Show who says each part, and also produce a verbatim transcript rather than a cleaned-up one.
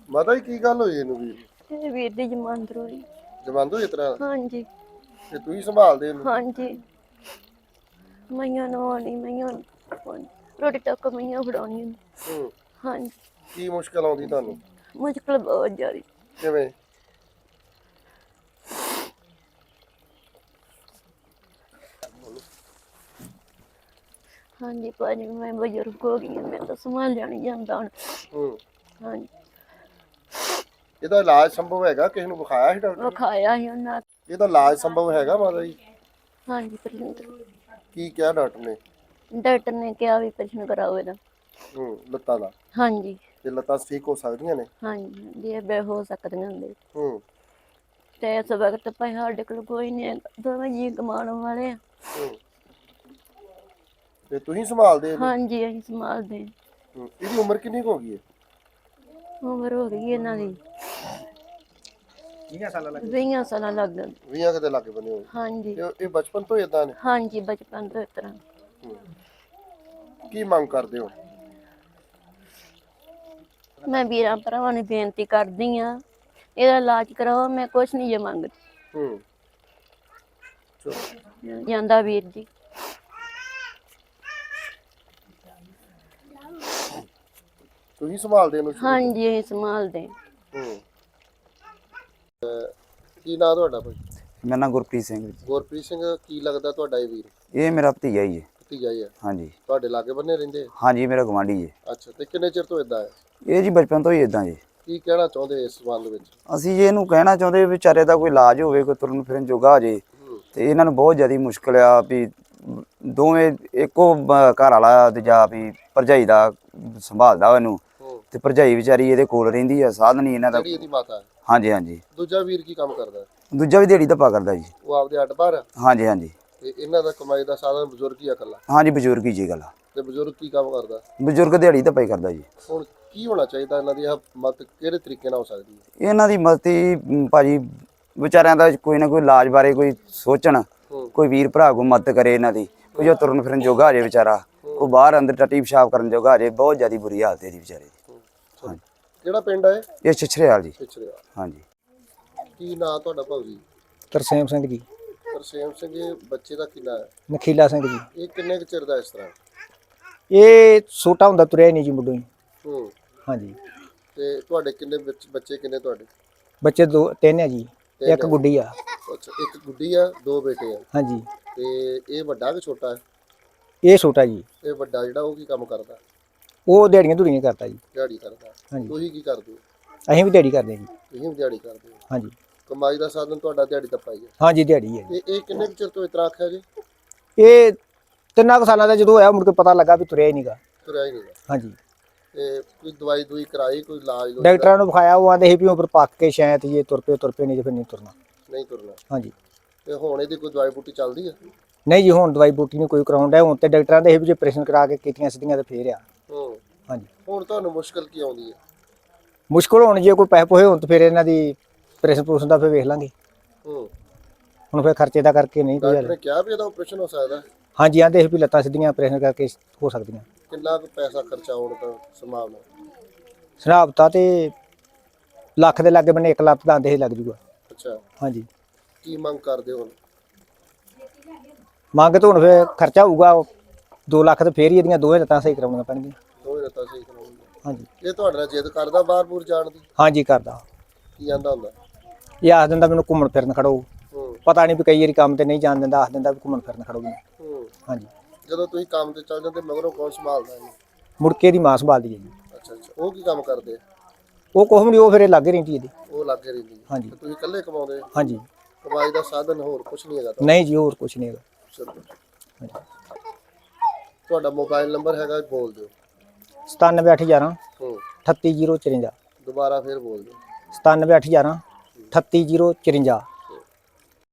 Speaker 1: ਮਾਤਾ ਜੀ ਕੀ ਗੱਲ ਹੋਈ ਇਹਨੂੰ ਵੀਰ?
Speaker 2: ਇਹ ਵੀਰ ਦੀ ਜਮਾਨਤ ਹੋਈ।
Speaker 1: ਜਮਾਨਤ ਹੋਈ ਇਸ ਤਰ੍ਹਾਂ?
Speaker 2: ਹਾਂਜੀ
Speaker 1: ਤੇ ਤੁਸੀਂ ਸੰਭਾਲਦੇ ਇਹਨੂੰ?
Speaker 2: ਹਾਂਜੀ ਮਈਆਂ ਨਵਾਉਣੀ ਮਈਆਂ ਰੋਟੀ ਤੱਕ ਮਈਆਂ ਫੜਾਉਣੀ ਉਹਨੂੰ।
Speaker 1: ਹੂੰ
Speaker 2: ਹਾਂਜੀ
Speaker 1: ਕੀ ਮੁਸ਼ਕਲ ਆਉਂਦੀ ਤੁਹਾਨੂੰ?
Speaker 2: ਮੁਸ਼ਕਲ ਬਹੁਤ ਜ਼ਿਆਦਾ।
Speaker 1: ਕਿਵੇਂ?
Speaker 2: ਹਾਂਜੀ ਭਾਜੀ ਮੈਂ ਬਜ਼ੁਰਗ ਹੋ ਗਈ ਹਾਂ, ਮੈਂ ਤਾਂ ਸੰਭਾਲਿਆ ਨਹੀਂ ਜਾਂਦਾ ਹੁਣ।
Speaker 1: ਹੂੰ
Speaker 2: ਹਾਂਜੀ
Speaker 1: ਇਹਦਾ ਇਲਾਜ ਸੰਭਵ ਹੈਗਾ? ਕਿਸੇ ਨੂੰ ਵਿਖਾਇਆ ਸੀ ਡਾਕਟਰ?
Speaker 2: ਵਿਖਾਇਆ ਸੀ ਉਹਨਾਂ।
Speaker 1: ਇਹਦਾ ਇਲਾਜ ਸੰਭਵ ਹੈਗਾ ਮਾਤਾ ਜੀ?
Speaker 2: ਹਾਂਜੀ ਪ੍ਰਸ਼ੰਤ
Speaker 1: ਕੀ ਕਿਹਾ ਡਾਕਟਰ ਨੇ?
Speaker 2: ਡਾਕਟਰ ਨੇ ਕਿਹਾ ਵੀ ਪ੍ਰਸ਼ਨ ਕਰਾਓ ਇਹਦਾ।
Speaker 1: ਹੂੰ ਲੱਤਾਂ ਦਾ?
Speaker 2: ਹਾਂਜੀ
Speaker 1: ਤੇ ਲੱਤਾਂ ਠੀਕ ਹੋ ਸਕਦੀਆਂ ਨੇ?
Speaker 2: ਹਾਂਜੀ ਹਾਂਜੀ ਇਹ ਬੇ ਹੋ ਸਕਦੀਆਂ ਹੁੰਦੇ।
Speaker 1: ਹੂੰ
Speaker 2: ਤੇ ਇਸ ਵਕਤ ਭਾਈ ਸਾਡੇ ਕੋਲ ਕੋਈ ਨਹੀਂ, ਦੋਵੇਂ ਜੀ ਕਮਾਉਣ ਵਾਲੇ ਆ।
Speaker 1: ਹੂੰ ਤੇ ਤੁਸੀਂ ਸੰਭਾਲਦੇ ਇਹਨੂੰ?
Speaker 2: ਹਾਂਜੀ ਅਸੀਂ ਸੰਭਾਲਦੇ।
Speaker 1: ਹੂੰ ਇਹਦੀ ਉਮਰ ਕਿੰਨੀ ਕੁ ਹੋ ਗਈ ਹੈ?
Speaker 2: ਉਮਰ ਹੋ ਗਈ ਇਹਨਾਂ ਦੀ
Speaker 1: ਵੀਹ ਸਾਲਾਂ ਲੱਗ
Speaker 2: ਵੀਹਾਂ ਸਾਲਾਂ ਲੱਗ ਗਏ।
Speaker 1: ਵੀਹਾਂ ਕਿਤੇ ਲੱਗ ਬਣੇ ਹੋਏ।
Speaker 2: ਹਾਂਜੀ
Speaker 1: ਤੇ ਇਹ ਬਚਪਨ ਤੋਂ ਇਦਾਂ ਨੇ?
Speaker 2: ਹਾਂਜੀ ਬਚਪਨ ਤੋਂ ਇਸ ਤਰ੍ਹਾਂ।
Speaker 1: ਕੀ ਮੰਗ ਕਰਦੇ ਹੋ?
Speaker 2: ਮੈਂ ਵੀਰਾਂ ਭਰਾਵਾਂ ਨੂੰ ਬੇਨਤੀ ਕਰਦੀ ਆ ਇਹਦਾ ਇਲਾਜ ਕਰਾਓ, ਮੈਂ ਕੁਛ ਨਹੀਂ ਜੇ ਮੰਗਦੀ।
Speaker 1: ਹੂੰ ਚਲੋ
Speaker 2: ਜਾਂਦਾ ਵੀਰ ਜੀ।
Speaker 1: ਤੁਸੀਂ ਸੰਭਾਲਦੇ ਇਹਨੂੰ?
Speaker 2: ਹਾਂਜੀ ਅਸੀਂ ਸੰਭਾਲਦੇ।
Speaker 1: ਹੂੰ ਕੀ ਨਾਂ ਤੁਹਾਡਾ ਭਾਈ?
Speaker 3: ਮੇਰਾ ਨਾਮ ਗੁਰਪ੍ਰੀਤ ਸਿੰਘ ਜੀ।
Speaker 1: ਗੁਰਪ੍ਰੀਤ ਸਿੰਘ ਕੀ ਲੱਗਦਾ ਤੁਹਾਡਾ ਇਹ ਵੀਰ?
Speaker 3: ਇਹ ਮੇਰਾ ਭਤੀਜਾ ਹੀ ਹੈ।
Speaker 1: ਭਤੀਜਾ ਹੀ ਹੈ?
Speaker 3: ਹਾਂਜੀ
Speaker 1: ਤੁਹਾਡੇ ਲਾਗੇ ਬੰਨੇ ਰਹਿੰਦੇ?
Speaker 3: ਹਾਂਜੀ ਮੇਰਾ ਗਵਾਂਢੀ ਹੈ।
Speaker 1: ਅੱਛਾ ਤੇ ਕਿੰਨੇ ਚਿਰ ਤੋਂ ਇਦਾਂ ਹੈ?
Speaker 3: ਇਹ ਜੀ ਬਚਪਨ ਤੋਂ ਹੀ ਇਦਾਂ ਜੀ।
Speaker 1: ਕੀ ਕਹਿਣਾ ਚਾਹੁੰਦੇ ਇਸ ਸੰਬੰਧ ਵਿੱਚ?
Speaker 3: ਅਸੀਂ ਜੀ ਇਹਨੂੰ ਕਹਿਣਾ ਚਾਹੁੰਦੇ ਵਿਚਾਰੇ ਦਾ ਕੋਈ ਇਲਾਜ ਹੋਵੇ, ਕੋਈ ਤੁਰਨ ਫਿਰਨ ਜੋਗਾ ਹੋ ਜੇ। ਤੇ ਇਹਨਾਂ ਨੂੰ ਬਹੁਤ ਜ਼ਿਆਦਾ ਮੁਸ਼ਕਲ ਆ ਵੀ ਦੋਵੇਂ ਇੱਕੋ ਬ- ਘਰ ਵਾਲਾ ਤੇ ਜਾਂ ਵੀ ਭਰਜਾਈ ਦਾ ਸੰਭਾਲਦਾ ਇਹਨੂੰ, ਤੇ ਭਰਜਾਈ ਵਿਚਾਰੀ ਇਹਦੇ ਕੋਲ ਰਹਿੰਦੀ ਆ। ਸਾਧਨ ਨਹੀਂ ਇਹਨਾਂ ਦਾ।
Speaker 1: ਜਿਹੜੀ ਇਹਦੀ ਮਾਤਾ ਹੈ?
Speaker 3: ਹਾਂਜੀ ਹਾਂਜੀ।
Speaker 1: ਦੂਜਾ ਵੀਰ ਕੀ ਕੰਮ ਕਰਦਾ?
Speaker 3: ਦੂਜਾ ਵੀ ਦਿਹਾੜੀ ਧੱਪਾ ਕਰਦਾ ਜੀ।
Speaker 1: ਉਹ ਆਪਦੇ ਅੱਡ ਬਾਹਰ ਆ?
Speaker 3: ਹਾਂਜੀ ਹਾਂਜੀ।
Speaker 1: ਤੇ ਇਹਨਾਂ ਦਾ ਕਮਾਈ ਦਾ ਸਾਧਨ ਬਜ਼ੁਰਗ ਹੀ ਆ ਇਕੱਲਾ?
Speaker 3: ਹਾਂਜੀ ਬਜ਼ੁਰਗ ਹੀ ਜੀ ਗੱਲ ਆ।
Speaker 1: ਤੇ ਬਜ਼ੁਰਗ ਕੀ ਕੰਮ ਕਰਦਾ?
Speaker 3: ਬਜ਼ੁਰਗ ਦਿਹਾੜੀ ਧੱਪਾ ਹੀ ਕਰਦਾ ਜੀ।
Speaker 1: ਹੁਣ ਕੀ ਹੋਣਾ ਚਾਹੀਦਾ? ਇਹਨਾਂ ਦੀ ਮਦਦ ਕਿਹੜੇ ਤਰੀਕੇ ਨਾਲ ਹੋ ਸਕਦੀ ਹੈ?
Speaker 3: ਇਹਨਾਂ ਦੀ ਮਦਦ ਭਾਜੀ ਵਿਚਾਰਿਆਂ ਦਾ ਕੋਈ ਨਾ ਕੋਈ ਇਲਾਜ ਬਾਰੇ ਕੋਈ ਸੋਚਣ, ਕੋਈ ਵੀਰ ਭਰਾ ਕੋ ਮਦਦ ਕਰੇ ਇਹਨਾਂ ਦੀ। ਕੋਈ ਜੋ ਤੁਰਨ ਫਿਰਨ ਜੋਗਾ ਹੋ ਜੇ ਵਿਚਾਰਾ, ਉਹ ਬਾਹਰ ਅੰਦਰ ਟੱਟੀ ਪਿਸ਼ਾਬ ਕਰਨ ਜੋਗਾ ਹੋ ਜੇ। ਬਹੁਤ ਜ਼ਿਆਦਾ ਬੁਰੀ ਹਾਲਤ ਇਹਦੀ ਵਿਚਾਰੇ ਦੀ।
Speaker 1: ਕਿਹੜਾ ਪਿੰਡ ਹੈ
Speaker 3: ਇਹ ਛਿਛਰੇਵਾਲ ਜੀ।
Speaker 1: ਛਿਛਰੇਵਾਲ।
Speaker 3: ਹਾਂਜੀ।
Speaker 1: ਕੀ ਨਾਂ ਤੁਹਾਡਾ ਭਾਊ ਜੀ?
Speaker 4: ਤਰਸੇਮ ਸਿੰਘ ਜੀ।
Speaker 1: ਤਰਸੇਮ ਸਿੰਘ। ਇਹ ਬੱਚੇ ਦਾ ਕੀ ਨਾਂ ਹੈ?
Speaker 4: ਨਖੀਲਾ ਸਿੰਘ ਜੀ।
Speaker 1: ਇਹ ਕਿੰਨੇ ਕੁ ਚਿਰ ਦਾ ਇਸ ਤਰ੍ਹਾਂ?
Speaker 4: ਇਹ ਛੋਟਾ ਹੁੰਦਾ ਤੁਰਿਆ ਹੀ ਨਹੀਂ ਜੀ ਮੁੱਢੋਂ ਹੀ।
Speaker 1: ਹੂੰ
Speaker 4: ਹਾਂਜੀ।
Speaker 1: ਤੇ ਤੁਹਾਡੇ ਕਿੰਨੇ ਬੱਚ- ਬੱਚੇ ਕਿੰਨੇ ਤੁਹਾਡੇ?
Speaker 4: ਬੱਚੇ ਦੋ ਤਿੰਨ ਆ ਜੀ, ਇੱਕ ਗੁੱਡੀ ਆ।
Speaker 1: ਅੱਛਾ ਇੱਕ ਗੁੱਡੀ ਆ, ਦੋ ਬੇਟੇ ਆ?
Speaker 4: ਹਾਂਜੀ।
Speaker 1: ਤੇ ਇਹ ਵੱਡਾ ਕਿ ਛੋਟਾ ਹੈ?
Speaker 4: ਇਹ ਛੋਟਾ ਜੀ।
Speaker 1: ਇਹ ਵੱਡਾ ਜਿਹੜਾ ਉਹ ਕੀ ਕੰਮ ਕਰਦਾ?
Speaker 4: ਉਹ ਦਿਹਾੜੀਆਂ ਧੁੜੀਆਂ ਕਰਦਾ ਜੀ।
Speaker 1: ਦਿਹਾੜੀ ਕਰਦਾ?
Speaker 4: ਹਾਂਜੀ।
Speaker 1: ਤੁਸੀਂ ਕੀ ਕਰਦੇ ਹੋ?
Speaker 4: ਅਸੀਂ ਵੀ ਦਿਹਾੜੀ ਕਰਦੇ ਜੀ।
Speaker 1: ਤੁਸੀਂ ਵੀ ਦਿਹਾੜੀ ਕਰਦੇ ਹੋ?
Speaker 4: ਹਾਂਜੀ।
Speaker 1: ਕਮਾਈ ਦਾ ਸਾਧਨ ਤੁਹਾਡਾ ਦਿਹਾੜੀ ਦਾ ਪਾਈ ਹੈ?
Speaker 4: ਹਾਂਜੀ ਦਿਹਾੜੀ ਹੈ ਜੀ।
Speaker 1: ਤੇ ਇਹ ਕਿੰਨੇ ਕੁ ਚਿਰ ਤੋਂ ਇਸ ਤਰ੍ਹਾਂ ਆਖਿਆ ਜੀ?
Speaker 4: ਇਹ ਤਿੰਨਾਂ ਕੁ ਸਾਲਾਂ ਦਾ ਜਦੋਂ ਹੋਇਆ ਮੁੜ ਕੇ ਪਤਾ ਲੱਗਾ ਵੀ ਤੁਰਿਆ ਹੀ ਨਹੀਂਗਾ।
Speaker 1: ਤੁਰਿਆ ਹੀ ਨਹੀਂ?
Speaker 4: ਹਾਂਜੀ।
Speaker 1: ਤੇ ਕੋਈ ਦਵਾਈ ਦੂਈ ਕਰਾਈ, ਕੋਈ ਇਲਾਜ ਲੂਜ?
Speaker 4: ਡਾਕਟਰਾਂ ਨੂੰ ਵਿਖਾਇਆ, ਉਹ ਆਂਦੇ ਸੀ ਵੀ ਉਮਰ ਪੱਕ ਕੇ ਸ਼ਾਇਦ ਇਹ ਤੁਰ ਪਏ ਤੁਰ ਪਏ ਨਹੀਂ ਤੇ ਫਿਰ ਨਹੀਂ ਤੁਰਨਾ।
Speaker 1: ਨਹੀਂ ਤੁਰਨਾ?
Speaker 4: ਹਾਂਜੀ।
Speaker 1: ਤੇ ਹੁਣ ਇਹਦੀ ਕੋਈ ਦਵਾਈ ਬੂਟੀ ਚੱਲਦੀ ਹੈ?
Speaker 4: ਨਹੀਂ ਜੀ ਹੁਣ ਦਵਾਈ ਬੂਟੀ ਨਹੀਂ ਕੋਈ ਕਰਾਉਣ ਡਿਆ। ਹੁਣ ਤੇ ਡਾਕਟਰਾਂ ਦੇ ਇਹ ਵੀ ਜੇ ਆਪਰੇਸ਼ਨ ਕਰਾ ਕੇ ਕੀਤੀਆਂ ਸਿੱਧੀਆਂ ਤੇ ਫੇਰ ਆ।
Speaker 1: ਹੂੰ।
Speaker 4: ਹਾਂਜੀ।
Speaker 1: ਹੁਣ ਤੁਹਾਨੂੰ ਮੁਸ਼ਕਲ ਕੀ ਆਉਂਦੀ ਹੈ?
Speaker 4: ਮੁਸ਼ਕਲ ਹੁਣ ਜੇ ਕੋਈ ਪੈਸੇ ਪੋਹੇ ਹੋਣ ਤਾਂ ਫਿਰ ਇਹਨਾਂ ਦੀ ਆਪਰੇਸ਼ਨ ਪੂਰੇਸ਼ਨ ਦਾ ਫਿਰ ਵੇਖ ਲਾਂਗੇ।
Speaker 1: ਹੂੰ।
Speaker 4: ਹੁਣ ਫਿਰ ਖਰਚੇ ਦਾ ਕਰਕੇ ਨਹੀਂ ਕੋਈ
Speaker 1: ਡਾਕਟਰ
Speaker 4: ਹੱਲ।
Speaker 1: ਨੇ ਕਿਹਾ ਵੀ ਇਹਦਾ ਆਪਰੇਸ਼ਨ ਹੋ ਸਕਦਾ?
Speaker 4: ਹਾਂਜੀ ਆਂਦੇ ਸੀ ਵੀ ਲੱਤਾਂ ਸਿੱਧੀਆਂ ਆਪਰੇਸ਼ਨ ਕਰਕੇ ਹੋ ਸਕਦੀਆਂ।
Speaker 1: ਕਿੰਨਾ ਕੁ ਪੈਸਾ ਖਰਚਾ ਹੋਣ ਦਾ ਸੰਭਾਵਨਾ?
Speaker 4: ਸਨਾਬਤਾ ਤੇ ਲੱਖ ਦੇ ਲਾਗੇ ਬੰਨੇ ਇੱਕ ਲੱਖ ਦਾ ਆਂਦੇ ਸੀ ਲੱਗ ਜੂਗਾ।
Speaker 1: ਅੱਛਾ।
Speaker 4: ਹਾਂਜੀ।
Speaker 1: ਕੀ ਮੰਗ ਕਰਦੇ ਹੋ?
Speaker 4: ਮੰਗ ਤਾਂ ਹੁਣ ਫਿਰ ਖਰਚਾ ਹੋਊਗਾ ਦੋ ਲੱਖ ਤੇ ਫੇਰ ਹੀ ਇਹਦੀਆਂ ਦੋਵੇਂ ਲੱਤਾਂ ਸਹੀ ਕਰਾਉਣੀਆਂ ਪੈਣਗੀਆਂ।
Speaker 1: ਦੋਵੇਂ ਲੱਤਾਂ ਸਹੀ ਕਰਾਉਣੀਆਂ?
Speaker 4: ਹਾਂਜੀ।
Speaker 1: ਇਹ ਤੁਹਾਡੇ ਨਾਲ ਜਿੱਦ ਕਰਦਾ ਬਾਹਰ ਬੂਰ ਜਾਣ ਦੀ?
Speaker 4: ਹਾਂਜੀ ਕਰਦਾ।
Speaker 1: ਕੀ ਆਂਦਾ ਹੁੰਦਾ?
Speaker 4: ਇਹ ਆਖ ਦਿੰਦਾ ਮੈਨੂੰ ਘੁੰਮਣ ਫਿਰਨ ਖੜੋ।
Speaker 1: ਹੂੰ।
Speaker 4: ਪਤਾ ਨਹੀਂ ਵੀ ਕਈ ਵਾਰੀ ਕੰਮ ਤੇ ਨਹੀਂ ਜਾਣ ਦਿੰਦਾ, ਆਖ ਦਿੰਦਾ ਵੀ ਘੁੰਮਣ ਫਿਰਨ ਖੜੋ ਮੈਨੂੰ।
Speaker 1: ਹੂੰ।
Speaker 4: ਹਾਂਜੀ।
Speaker 1: ਜਦੋਂ ਤੁਸੀਂ ਕੰਮ ਤੇ ਚੱਲ ਜਾਂਦੇ ਮਗਰੋਂ ਕੌਣ ਸੰਭਾਲਦਾ ਇਹਨੂੰ?
Speaker 4: ਮੁੜਕੇ ਦੀ ਮਾਂ ਸੰਭਾਲਦੀ ਹੈ ਜੀ।
Speaker 1: ਅੱਛਾ ਅੱਛਾ। ਉਹ ਕੀ ਕੰਮ ਕਰਦੇ?
Speaker 4: ਉਹ ਕੁਛ ਵੀ ਨਹੀਂ, ਉਹ ਫਿਰ ਲਾਗੇ ਰਹਿੰਦੀ ਇਹਦੀ।
Speaker 1: ਉਹ ਲਾਗੇ ਰਹਿੰਦੀ ਹੈ?
Speaker 4: ਹਾਂਜੀ।
Speaker 1: ਤੇ ਤੁਸੀਂ ਇਕੱਲੇ ਕਮਾਉਂਦੇ?
Speaker 4: ਹਾਂਜੀ।
Speaker 1: ਕਮਾਈ ਦਾ ਸਾਧਨ ਹੋਰ ਕੁਝ ਨਹੀਂ ਹੈਗਾ?
Speaker 4: ਨਹੀਂ ਜੀ ਹੋਰ ਕੁਛ ਨਹੀਂ ਹੈਗਾ।
Speaker 1: ਚਲੋ। ਤੁਹਾਡਾ ਮੋਬਾਈਲ ਨੰਬਰ ਹੈਗਾ, ਬੋਲ ਦਿਓ।
Speaker 4: ਸਤਾਨਵੇਂ ਅੱਠ ਗਿਆਰਾਂ
Speaker 1: ਹੂੰ।
Speaker 4: ਅਠੱਤੀ ਜ਼ੀਰੋ ਚੁਰੰਜਾ।
Speaker 1: ਦੁਬਾਰਾ ਫਿਰ ਬੋਲ ਦਿਓ।
Speaker 4: ਸਤਾਨਵੇਂ ਅੱਠ ਗਿਆਰਾਂ ਅਠੱਤੀ ਜ਼ੀਰੋ ਚੁਰੰਜਾ।